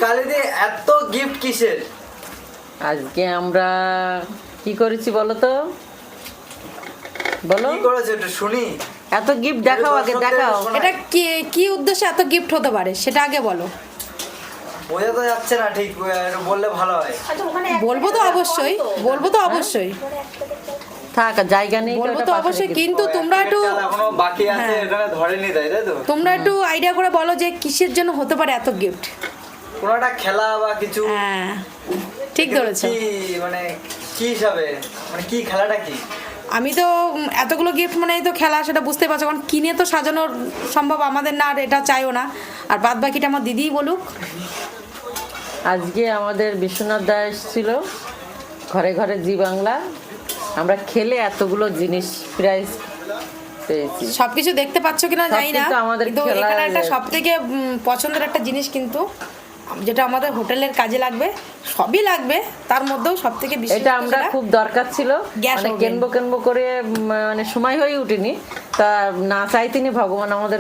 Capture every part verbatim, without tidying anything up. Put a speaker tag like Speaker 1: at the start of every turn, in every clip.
Speaker 1: কালিদি এত গিফট কিসের?
Speaker 2: আজকে আমরা কি করেছি বলো তো, বলো
Speaker 1: কি করেছো একটু শুনি।
Speaker 2: এত গিফট দেখাও, আগে দেখাও।
Speaker 3: এটা কি কি উদ্দেশ্যে এত গিফট হতে পারে সেটা আগে বলো।
Speaker 1: বোঝা তো যাচ্ছে না ঠিক, বললে ভালো হয়।
Speaker 3: বলবো তো অবশ্যই, বলবো তো অবশ্যই,
Speaker 2: থাক জায়গা নেই
Speaker 3: বলবো তো অবশ্যই, কিন্তু তোমরা একটু
Speaker 1: এখনো বাকি আছে, এখানে ধরেনি তাই তাই তো।
Speaker 3: তোমরা একটু আইডিয়া করে বলো যে কিসের জন্য হতে পারে এত গিফট।
Speaker 1: কোনো একটা খেলা বা কিছু?
Speaker 3: হ্যাঁ ঠিক ধরেছো।
Speaker 1: কি মানে কি হিসাবে, মানে কি খেলাটা কি?
Speaker 3: আমি তো উম, এতগুলো গিফট মানে এই তো খেলা, সেটা বুঝতে পারছো, কারণ কিনে তো সাজানোর সম্ভব আমাদের না, আর এটা চাইও না। আর বাদ বাকিটা আমার দিদিই বলুক।
Speaker 2: আজকে আমাদের বিশ্বনাথ দা এসেছিল ঘরে ঘরে জি বাংলা, আমরা খেলে এতগুলো জিনিস প্রাইজ পেয়েছি।
Speaker 3: সবকিছু দেখতে পাচ্ছ কিনা জানি না,
Speaker 2: সবকিছু আমাদের
Speaker 3: কিন্তু
Speaker 2: খেলার-
Speaker 3: এখানে একটা সব থেকে পছন্দের একটা জিনিস, কিন্তু যেটা আমাদের হোটেলের কাজে লাগবে, সবই লাগবে, তার মধ্যেও সব থেকে বেশি
Speaker 2: এটা আমরা খুব দরকার ছিল,
Speaker 3: গ্যাস
Speaker 2: মানে
Speaker 3: ওভেন।
Speaker 2: কেনবো কেনবো করে উম, মানে সময় হয়ে উঠিনি, তা না চাইতিনি ভগবান আমাদের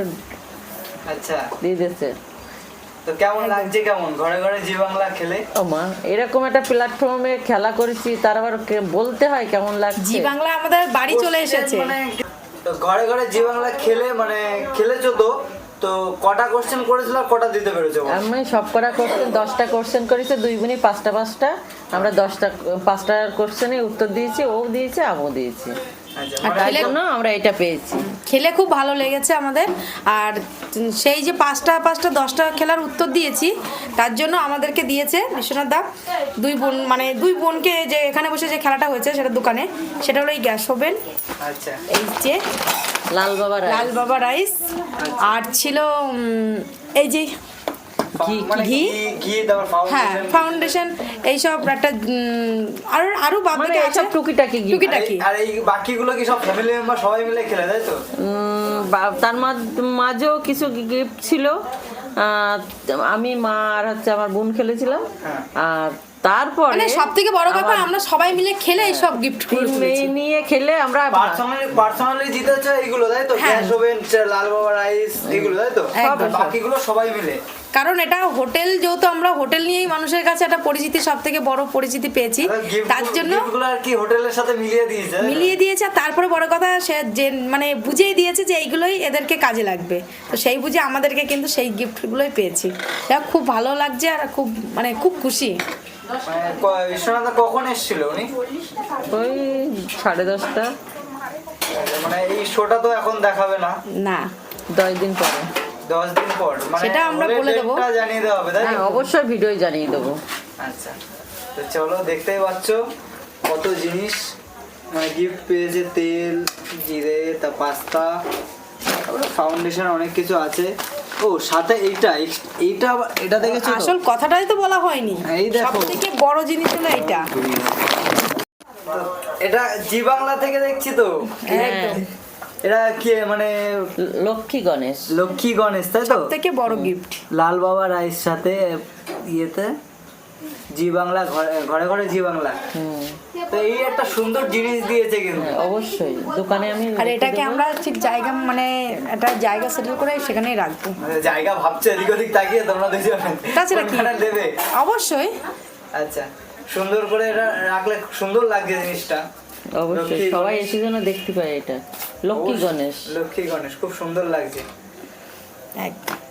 Speaker 1: আচ্ছা
Speaker 2: দিয়ে দিয়েছে।
Speaker 1: তো কেমন লাগছে, কেমন ঘরে ঘরে জি বাংলা খেলে?
Speaker 2: ও মা, এরকম একটা প্ল্যাটফর্মে খেলা করেছি, তার আবার কে- বলতে হয় কেমন লাগছে।
Speaker 3: জি বাংলা আমাদের বাড়ি চলে এসেছে।
Speaker 1: মানে তো ঘরে ঘরে জি বাংলা খেলে মানে খেলেছো তো, তো কটা কোশ্চেন করেছিল আর কটা দিতে পেরেছো?
Speaker 2: আমি সব করা কোশ্চেন দশটা কোশ্চেন করেছে, দুই বোনই পাঁচটা পাঁচটা, আমরা দশটা পাঁচটা কোশ্চেনে উত্তর দিয়েছি, ও দিয়েছে আমিও দিয়েছি,
Speaker 1: আচ্ছা
Speaker 3: আর
Speaker 1: মানে
Speaker 2: তাই
Speaker 3: খেলে-
Speaker 2: জন্য আমরা এটা পেয়েছি।
Speaker 3: খেলে খুব ভালো লেগেছে আমাদের। আর সেই যে পাঁচটা পাঁচটা দশটা খেলার উত্তর দিয়েছি, তার জন্য আমাদেরকে দিয়েছে বিশ্বনাথ দা দুই বোন, মানে দুই বোনকে যে এখানে বসে যে খেলাটা হয়েছে সেটা দোকানে, সেটা হলো এই গ্যাস ওভেন,
Speaker 1: আচ্ছা
Speaker 3: এই যে
Speaker 2: লাল বাবা
Speaker 3: লাল বাবা রাইস, আর ছিল উম, এই যে
Speaker 2: ঘি,
Speaker 1: মানে
Speaker 3: ঘি,
Speaker 1: ঘি ঘি তারপর
Speaker 3: হ্যাঁ
Speaker 1: ফাউন্ডেশন
Speaker 3: ফাউন্ডেশন, এইসব একটা উম, আর আরো বাদ
Speaker 2: মানে
Speaker 3: বাকি আছে
Speaker 2: এইসব টুকিটাকি gift।
Speaker 3: টুকিটাকি।
Speaker 1: আর এই বাকিগুলো কি সব ফ্যামিলি মেম্বার সবাই মিলে খেলে তাই তো?
Speaker 2: উম, বা- তার মাঝ- মাঝেও কিছু গিফট ছিল, আহ, আমি মা আর হচ্ছে আমার বোন খেলেছিলাম,
Speaker 1: হ্যাঁ।
Speaker 2: আর তারপরে
Speaker 3: মানে সব থেকে বড় কথা আমরা সবাই মিলে খেলে এই সব গিফট
Speaker 2: তিন মেয়ে নিয়ে খেলে আমরা
Speaker 1: পার্সোনালি পার্সোনালি জিতেছে এইগুলো তাই তো?
Speaker 3: হ্যাঁ।
Speaker 1: গ্যাস ওভেন, লাল বাবা রাইস এগুলো তাই তো?
Speaker 3: একদম।
Speaker 1: বাকিগুলো সবাই মিলে।
Speaker 3: কারণ এটা হোটেল, যেহেতু আমরা হোটেল নিয়েই মানুষের কাছে একটা পরিচিতি, সব থেকে বড় পরিচিতি পেয়েছি, তার জন্য
Speaker 1: গিফটগুলো আর কি হোটেলের সাথে মিলিয়ে দিয়েছে তাই তো?
Speaker 3: মিলিয়ে দিয়েছে। আর তারপরে বড় কথা সে যে মানে বুঝিয়ে দিয়েছে যে এইগুলোই এদেরকে কাজে লাগবে, তো সেই বুঝে আমাদেরকে কিন্তু সেই গিফটগুলোই পেয়েছি। যা খুব ভালো লাগছে, আর খুব মানে খুব খুশি।
Speaker 1: মানে ক- বিশ্বনাথ দা কখন এসেছিল উনি?
Speaker 2: ওই সাড়ে দশটা
Speaker 1: মানে এই শোটা তো এখন দেখাবে না,
Speaker 3: না
Speaker 2: দশ দিন পরে।
Speaker 1: দশ দিন পর মানে
Speaker 3: সেটা আমরা
Speaker 1: হলে
Speaker 3: বলে দেবো।
Speaker 1: ডেটটা জানিয়ে দেওয়া হবে তাই
Speaker 2: হ্যাঁ
Speaker 1: তো?
Speaker 2: অবশ্যই ভিডিও জানিয়ে দেবো।
Speaker 1: আচ্ছা তো চলো, দেখতেই পাচ্ছ কত জিনিস মানে গিফট পেয়েছে, তেল, জিরে, তা পাস্তা, তারপরে ফাউন্ডেশন, অনেক কিছু আছে। ও সাথে এইটা এইটা আবার- এটা দেখেছো তো?
Speaker 3: আসল কথাটাই তো বলা হয়নি,
Speaker 1: এই দেখো।
Speaker 3: সব থেকে বড় জিনিস হলো এইটা।
Speaker 1: এটা জি বাংলা থেকে দেখছি তো।
Speaker 3: একদম
Speaker 1: এটা কি মানে
Speaker 2: লক্ষ্মী গণেশ।
Speaker 1: লক্ষ্মী গণেশ তাই তো?
Speaker 3: থেকে বড় গিফট।
Speaker 1: লাল বাবা রাইস সাথে ইয়েতে জি বাংলা, ঘরে ঘরে ঘরে জি বাংলা।
Speaker 2: হুম,
Speaker 1: তো এই একটা সুন্দর জিনিস দিয়েছে কিন্তু।
Speaker 2: অবশ্যই দোকানে আমি
Speaker 3: আর এটাকে আমরা ঠিক জায়গা মানে একটা জায়গা সেটেল করে সেখানেই রাখবো।
Speaker 1: মানে জায়গা ভাবছে এদিক ওদিক তাকিয়ে তোমরা দুজন
Speaker 3: তাছাড়া কি?
Speaker 1: কোনখানে দেবে।
Speaker 3: অবশ্যই
Speaker 1: আচ্ছা সুন্দর করে এটা রাখলে খুব সুন্দর লাগছে জিনিসটা।
Speaker 2: অবশ্যই
Speaker 1: লক্ষ্মী
Speaker 2: সবাই
Speaker 1: গণেশ।
Speaker 2: এসে যেন দেখতে পায় এটা লক্ষ্মী
Speaker 1: অবশ্যই।
Speaker 2: গণেশ।
Speaker 1: লক্ষ্মী গণেশ খুব সুন্দর লাগছে।
Speaker 3: একদম।